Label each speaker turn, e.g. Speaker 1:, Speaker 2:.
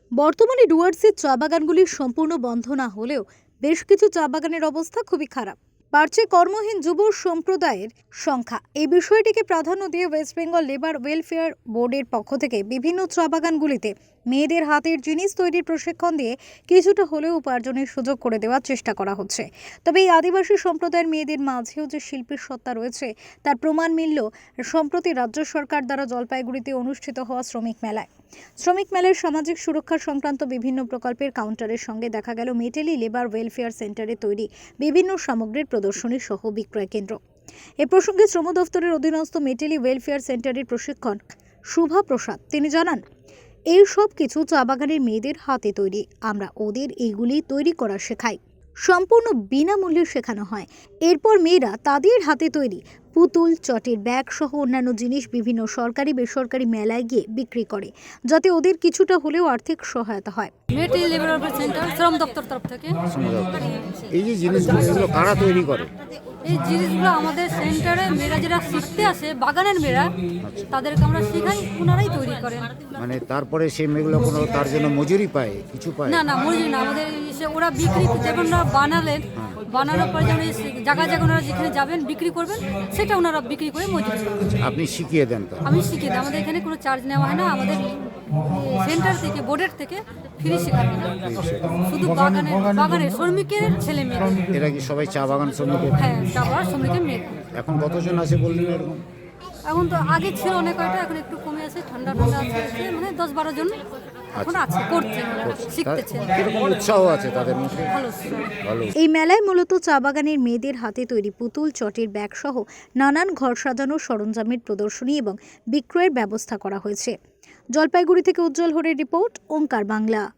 Speaker 1: বর্তমানে ডুয়ার্সের চা বাগানগুলি সম্পূর্ণ বন্ধ না হলেও বেশ কিছু চা বাগানের অবস্থা খুবই খারাপ। বাড়ছে কর্মহীন যুব সম্প্রদায়ের সংখ্যা। এই বিষয়টিকে প্রাধান্য দিয়ে ওয়েস্ট বেঙ্গল লেবার ওয়েলফেয়ার বোর্ডের পক্ষ থেকে বিভিন্ন চা বাগানগুলিতে মেয়েদের হাতের জিনিস তৈরির প্রশিক্ষণ দিয়ে কিছুটা হলেও উপার্জনের সুযোগ করে দেওয়ার চেষ্টা করা হচ্ছে। তবে এই আদিবাসী সম্প্রদায়ের মেয়েদের মাঝেও যে শিল্পীর সত্তা রয়েছে তার প্রমাণ মিলল সম্প্রতি রাজ্য সরকার দ্বারা জলপাইগুড়িতে অনুষ্ঠিত হওয়া শ্রমিক মেলায়। শ্রমিক মেলার সামাজিক সুরক্ষা সংক্রান্ত বিভিন্ন প্রকল্পের কাউন্টারের সঙ্গে দেখা গেল মেটেলি লেবার ওয়েলফেয়ার সেন্টারে তৈরি বিভিন্ন সামগ্রীর প্রদর্শনী সহ বিক্রয় কেন্দ্র। এ প্রসঙ্গে শ্রম দফতরের অধীনস্থ মেটেলি ওয়েলফেয়ার সেন্টারের প্রশিক্ষক শুভা প্রসাদ তিনি জানান, এই সব কিছু চা বাগানের মেয়েদের হাতে তৈরি। আমরা ওদের এইগুলি তৈরি করা শেখাই, সম্পূর্ণ বিনামূল্যে শেখানো হয়। এরপর মেয়েরা তাদের হাতে তৈরি পুতুল, চটের ব্যাগ সহ অন্যান্য জিনিস বিভিন্ন সরকারি বেসরকারি মেলায় গিয়ে বিক্রি করে, যাতে ওদের কিছুটা হলেও আর্থিক সহায়তা হয়।
Speaker 2: মেটেলি লেবার ওয়েলফেয়ার সেন্টার শ্রম দপ্তর তরফ থেকে
Speaker 3: এই যে জিনিসগুলো কারা তৈরি করে?
Speaker 2: এই জিনিসগুলো আমাদের সেন্টারে মেয়েরা যারা শিখতে আসে, বাগানের মেয়েরা, তাদেরকে আমরা শেখাই, ওনারাই তৈরি করেন।
Speaker 3: মানে তারপরে সেই মেয়েগুলো কোনো তার জন্য মজুরি পায়, কিছু পায়?
Speaker 2: না, মজুরি না, আমাদের ওরা বিক্রি যেমন ওরা বানালেন, বানানোর পরে যেমন জায়গায় ওনারা যেখানে যাবেন বিক্রি করবেন, সেটা ওনারা বিক্রি করে মজুরি পাবেন।
Speaker 3: আপনি শিখিয়ে দেন? তো
Speaker 2: আমি শিখিয়ে দিই, আমাদের এখানে কোনো চার্জ নেওয়া হয় না, আমাদের সেন্টার থেকে বোর্ডের থেকে ফ্রি শেখানো হয়। শুধু বাগানের শ্রমিকের ছেলে মেয়ে।
Speaker 3: এরা কি সবাই চা বাগান শ্রমিকের?
Speaker 2: হ্যাঁ, চা বাগান শ্রমিকের মেয়ে।
Speaker 3: এখন কতজন আছে বললেন এরকম?
Speaker 2: এখন তো আগে ছিল অনেক কয়টা, এখন একটু কমে আছে, ঠান্ডা আছে, মানে 10-12 জন এখন আছে, করছে, শিখতেছে।
Speaker 3: কিরকম উৎসাহ আছে তাদের মধ্যে?
Speaker 2: ভালো।
Speaker 1: এই মেলায় মূলত চা বাগানের মেয়েদের হাতে তৈরি পুতুল, চটের ব্যাগ সহ নানান ঘর সাজানোর সরঞ্জামের প্রদর্শনী এবং বিক্রয়ের ব্যবস্থা করা হয়েছে। জলপাইগুড়ি থেকে উজ্জ্বল হরের রিপোর্ট, ওঙ্কার বাংলা।